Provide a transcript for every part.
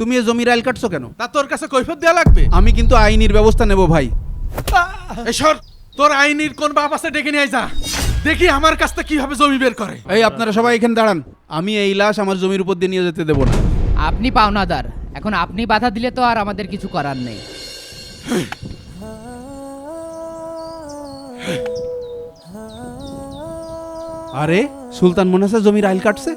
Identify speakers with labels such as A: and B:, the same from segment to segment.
A: তুমি এ জমির আইল কাটছো কেন?
B: তা তোর কাছে কৈফিয়ত দেয়া লাগবে?
A: আমি কিন্তু আইনির ব্যবস্থা নেব ভাই।
B: এসর, তোর আইনির কোন বাপ আছে ডেকে নিয়ে যা, দেখি আমার কাছটা কিভাবে জমি বের করে।
A: এই আপনারা সবাই এখানে দাঁড়ান, আমি এই লাশ আমার জমির উপর দিয়ে নিয়ে যেতে দেবো না।
C: আপনি পাওনাদার, এখন আপনি বাধা দিলে তো আর আমাদের কিছু করার নেই।
A: আরে সুলতান মনে আছে জমির আইল কাটছে?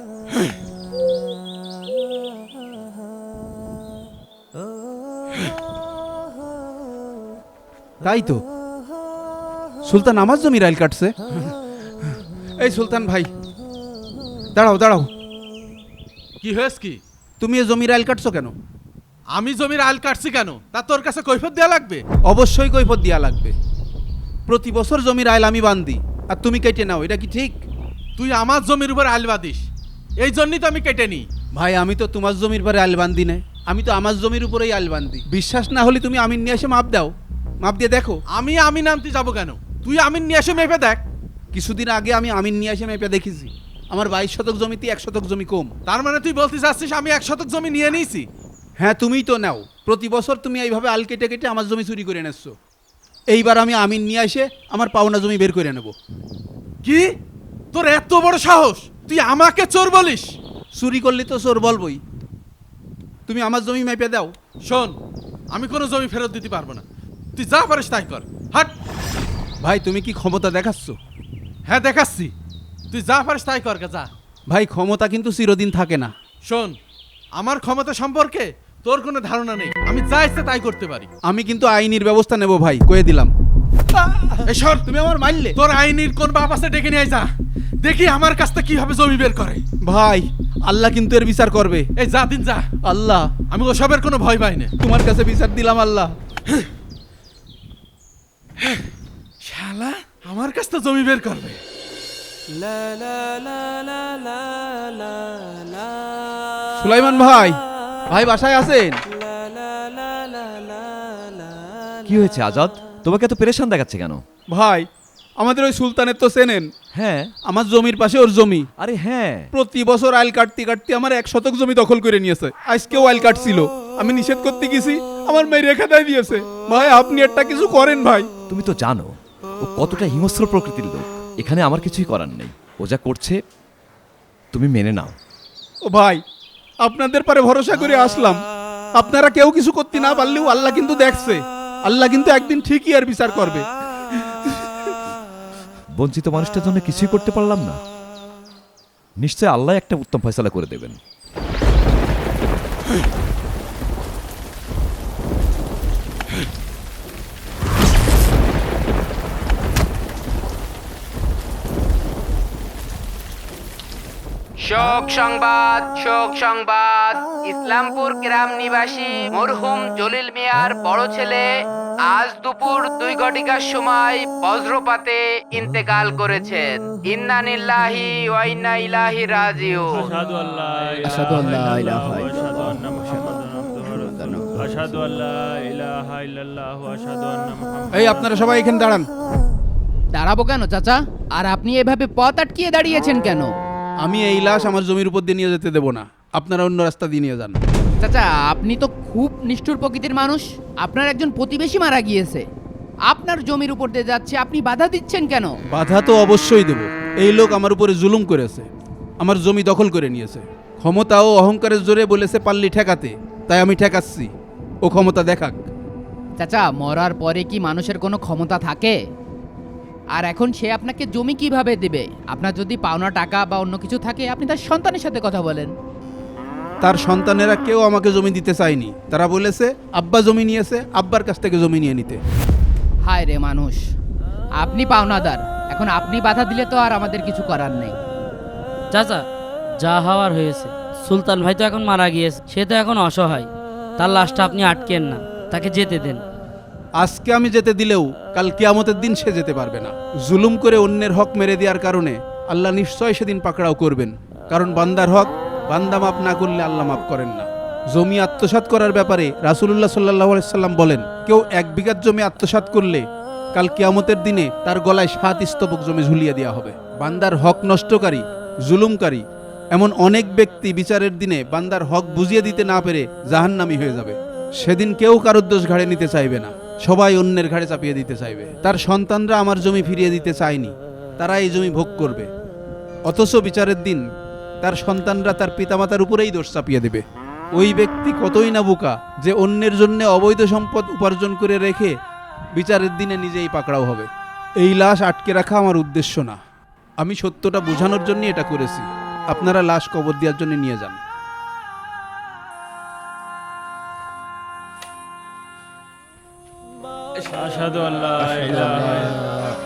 A: তাই তো, সুলতান আমার জমির আইল কাটছে। এই সুলতান ভাই দাঁড়াও দাঁড়াও,
B: কি হয়েছে কি?
A: তুমি এ জমির আইল কাটছো কেন?
B: আমি জমির আইল কাটছি কেন, তা তোর কাছে কৈফিয়ত দেয়া লাগবে?
A: অবশ্যই কৈফিয়ত দেয়া লাগবে। প্রতি বছর জমির আইল আমি বান্ধি আর তুমি কেটে নাও, এটা কি ঠিক?
B: তুই আমার জমির উপর আইল বাঁধিস, এই জন্যই তো আমি কেটে নিই।
A: ভাই আমি তো তোমার জমির পরে আইল বান্ধি না, আমি তো আমার জমির উপরেই আইল বান্ধি। বিশ্বাস না হলে তুমি আমিন নিয়ে এসে মাপ দাও, মাপ দিয়ে দেখো।
B: আমি আমিন আনতে যাবো কেন? তুই আমিন নিয়ে এসে মেপে দেখ।
A: কিছুদিন আগে আমি আমিন নিয়ে এসে মেপে দেখেছি, আমার 22 শতক জমিতে 1 শতক জমি কম।
B: তার মানে তুই বলতে চাচ্ছিস আমি 1 শতক জমি নিয়ে নিয়েছি?
A: হ্যাঁ তুমিই তো নাও, প্রতি বছর তুমি এইভাবে আল কেটে কেটে আমার জমি চুরি করে এনেছো। এইবার আমি আমিন নিয়ে এসে আমার পাওনা জমি বের করে নেব।
B: কি, তোর এত বড় সাহস? তুই আমাকে চোর বলিস?
A: চুরি করলে তো চোর বলবই। তুমি আমার জমি মেপে দাও।
B: শোন, আমি কোনো জমি ফেরত দিতে পারবো না, তুই যা পারিস তাই কর। হাট।
A: ভাই তুমি কি ক্ষমতা দেখাচ্ছ?
B: হ্যাঁ দেখাচ্ছি, তুই যা পারিস তাই কর গে, যা।
A: ভাই ক্ষমতা কিন্তু চিরদিন থাকে না।
B: শোন, আমার ক্ষমতা সম্পর্কে তোর কোনো ধারণা নেই, আমি যা ইচ্ছে তাই করতে পারি।
A: আমি কিন্তু আইনির ব্যবস্থা নেব ভাই, কয়ে দিলাম।
B: এসর,
A: তুমি আমার মারলে।
B: তোর আইনির কোন বাপ আছে ডেকে নিয়ে যা, দেখি আমার কাছটা কিভাবে জমি বের করে।
A: ভাই আল্লাহ কিন্তু এর বিচার করবে।
B: এই যা দিন যা,
A: আল্লাহ
B: আমি ওসবের কোনো ভয় পাই না।
A: তোমার কাছে বিচার দিলাম আল্লাহ।
B: শালা আমার কাছটা জমি বের করবে।
A: সুলাইমান ভাই, ভাই বাসায় আছেন?
D: কি হয়েছে আজাদ, তোমাকে এত পেরেশান দেখাচ্ছে কেন?
A: ভাই আমাদের ওই সুলতানের তো চেনেন,
D: হ্যাঁ।
A: আমার জমির পাশে ওর জমি।
D: আরে হ্যাঁ,
A: প্রতি বছর আইল কাটতে কাটতে আমার 1 শতক জমি দখল করে নিয়েছে। আজকেও আইল কাটছিল, আমি নিষেধ করতে গেছি, আমার মেয়ে রেখা দেয় দিয়েছে। ভাই আপনি একটা কিছু করেন ভাই।
D: তুমি তো জানো ও কতটা হিংস্র প্রকৃতির লোক। এখানে আমার কিছুই করার নেই, ও যা করছে তুমি মেনে নাও।
A: ও ভাই আপনাদের পরে ভরসা করে আসলাম, আপনারা কেউ কিছু করতে না পারলেও আল্লাহ কিন্তু দেখছে, আল্লাহ কিন্তু একদিন ঠিকই আর বিচার করবে।
D: বঞ্চিত মানুষটার জন্য কিছুই করতে পারলাম না, নিশ্চয় আল্লাহ একটা উত্তম ফয়সালা করে দেবেন।
C: শোক সংবাদ, শোক সংবাদ। ইসলামপুর গ্রাম নিবাসী মরহুম জলিল মিয়ার বড় ছেলে আজ দুপুর 2 ঘটিকার সময় বজ্রপাতে ইন্তেকাল করেছেন। ইন্না লিল্লাহি ওয়া ইন্না ইলাইহি রাজিউন।
E: আশহাদু আল্লা
F: আশহাদু আল্লা ইলাহা
E: আশহাদু আন্না মুহাম্মাদান আবদুহু আশহাদু আল্লা ইলাহা ইল্লাল্লাহু আশহাদু আন্না মুহাম্মাদান।
A: এই আপনারা সবাই এখানে দাঁড়ান।
C: দাঁড়াবো কেন চাচা? আর আপনি এভাবে পথ আটকিয়ে দাঁড়িয়েছেন কেন?
A: আমি এই লাশ আমার জমির উপর দিয়ে নিয়ে যেতে দেবো না, আপনারা অন্য রাস্তা দিয়ে নিয়ে যান।
C: চাচা আপনি তো খুব নিষ্ঠুর প্রকৃতির মানুষ। আপনার একজন প্রতিবেশী মারা গিয়েছে, আপনার জমির উপর দিয়ে যাচ্ছে, আপনি বাধা দিচ্ছেন কেন?
A: বাধা তো অবশ্যই দেব। এই লোক আমার উপরে জুলুম করেছে, আমার জমি দখল করে নিয়েছে। ক্ষমতা ও অহংকারের জোরে বলেছে পাল্লি ঠেকাতে, তাই আমি ঠেকাচ্ছি, ও ক্ষমতা দেখাক।
C: চাচা মরার পরে কি মানুষের কোনো ক্ষমতা থাকে? আর এখন সে আপনাকে জমি কিভাবে দেবে? আপনার যদি পাওনা টাকা বা অন্য কিছু থাকে আপনি তার সন্তানের সাথে কথা বলেন।
A: তার সন্তানেরা কেউ আমাকে জমি দিতে চায়নি, তারা বলেছে আব্বা জমি নিয়েছে, আব্বার কাছ থেকে জমি নিয়ে নিতে।
C: হায় রে মানুষ, আপনি পাওনাদার, এখন আপনি বাধা দিলে তো আর আমাদের কিছু করার নেই।
F: চাচা যা হওয়ার হয়েছে, সুলতান ভাই তো এখন মারা গিয়েছে, সে তো এখন অসহায়, তার লাশটা আপনি আটকেন না, তাকে যেতে দেন।
A: আজকে আমি যেতে দিলেও কাল কিয়ামতের দিন সে যেতে পারবে না। জুলুম করে অন্যের হক মেরে দেওয়ার কারণে আল্লাহ নিশ্চয় সেদিন পাকড়াও করবেন, কারণ বান্দার হক বান্দা মাপ না করলে আল্লাহ মাপ করেন না। জমি আত্মসাৎ করার ব্যাপারে রাসূলুল্লাহ সাল্লাল্লাহু আলাইহি সাল্লাম বলেন, কেউ 1 বিঘা জমি আত্মসাৎ করলে কাল কিয়ামতের দিনে তার গলায় 7 স্তবক জমি ঝুলিয়ে দেওয়া হবে। বান্দার হক নষ্টকারী, জুলুমকারী এমন অনেক ব্যক্তি বিচারের দিনে বান্দার হক বুঝিয়ে দিতে না পেরে জাহান্নামী হয়ে যাবে। সেদিন কেউ কারোর দোষ ঘাড়ে নিতে চাইবে না, সবাই অন্যের ঘাড়ে চাপিয়ে দিতে চাইবে। তার সন্তানরা আমার জমি ফিরিয়ে দিতে চায়নি, তারা এই জমি ভোগ করবে। অথচ বিচারের দিন তার সন্তানরা তার পিতামাতার উপরেই দোষ চাপিয়ে দেবে। ওই ব্যক্তি কতই না বোকা যে অন্যের জন্য অবৈধ সম্পদ উপার্জন করে রেখে বিচারের দিনে নিজেই পাকড়াও হবে। এই লাশ আটকে রাখা আমার উদ্দেশ্য না, আমি সত্যটা বোঝানোর জন্য এটা করেছি। আপনারা লাশ কবর দেওয়ার জন্য নিয়ে যান।
E: আশহাদু আল্লা ইলাহা